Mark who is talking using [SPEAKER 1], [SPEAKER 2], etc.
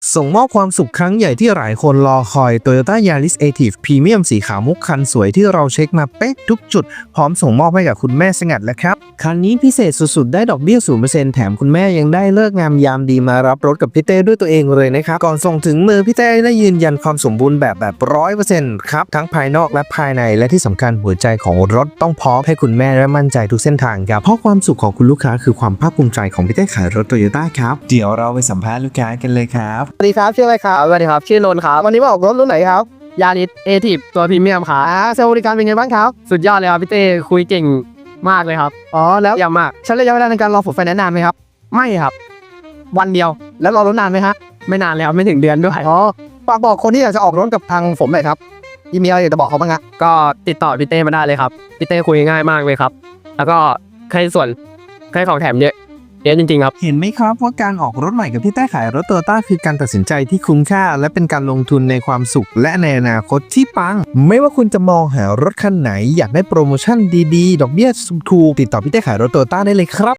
[SPEAKER 1] ส่งมอบความสุขครั้งใหญ่ที่หลายคนรอคอย Toyota Yaris Active Premium สีขาวมุกคันสวยที่เราเช็คมาเป๊ะทุกจุดพร้อมส่งมอบให้กับคุณแม่สงัดแล้วครับคันนี้พิเศษสุดๆได้ดอกเบี้ย 0% แถมคุณแม่ยังได้เลิกงามยามดีมารับรถกับพี่เต้ด้วยตัวเองเลยนะครับก่อนส่งถึงมือพี่เต้ได้ยืนยันความสมบูรณ์แบบ 100% ครับทั้งภายนอกและภายในและที่สำคัญหัวใจของรถต้องพร้อมให้คุณแม่และมั่นใจทุกเส้นทางครับเพราะความสุขของคุณลูกค้าคือความภาคภูมิใจของพี่เต้ขายรถ Toyota ครับเดี๋ยวเราไปสัมภาษณ์ลูกค้ากันเลยครับ
[SPEAKER 2] สวัสดีครับชื่ออะไรครับ
[SPEAKER 3] สวัสดีครับชื่อนนท์ครับ
[SPEAKER 2] วันนี้มาออกรถรุ่นไหนครับ
[SPEAKER 3] ยาริสเอทีฟตัวพรีเมียมครับ
[SPEAKER 2] เซลล์บริการเป็นไงบ้างครับ
[SPEAKER 3] สุดยอดเลยครับพี่เต้คุยเก่งมากเลยครับ
[SPEAKER 2] อ๋อแล้ว
[SPEAKER 3] เยี่ยมมาก
[SPEAKER 2] ใช้ระยะเวลาในการรอผลไฟแนนซ์นานไหมครับ
[SPEAKER 3] ไม่ครับ วันเดียว
[SPEAKER 2] แล้วรอรถนานไหมฮะ
[SPEAKER 3] ไม่นานแล้วไม่ถึงเดือนด้วย
[SPEAKER 2] อ๋อฝากบอกคนที่อยากจะออกรถกับทางผมหน่อยครับมีอะไรอยากจะบอกเขาบ้างฮะ
[SPEAKER 3] ก็ติดต่อพี่เต้มาได้เลยครับพี่เต้คุยง่ายมากเลยครับ แล้วก็ใครส่วนใครของแถมเยอะจริงๆครับ
[SPEAKER 1] เห็นไหมครับว่าการออกรถใหม่กับพี่เต้ขายรถโตโยต้าคือการตัดสินใจที่คุ้มค่าและเป็นการลงทุนในความสุขและในอนาคตที่ปังไม่ว่าคุณจะมองหารถคันไหนอยากได้โปรโมชั่นดีๆดอกเบี้ยถูกติดต่อพี่เต้ขายรถโตโยต้าได้เลยครับ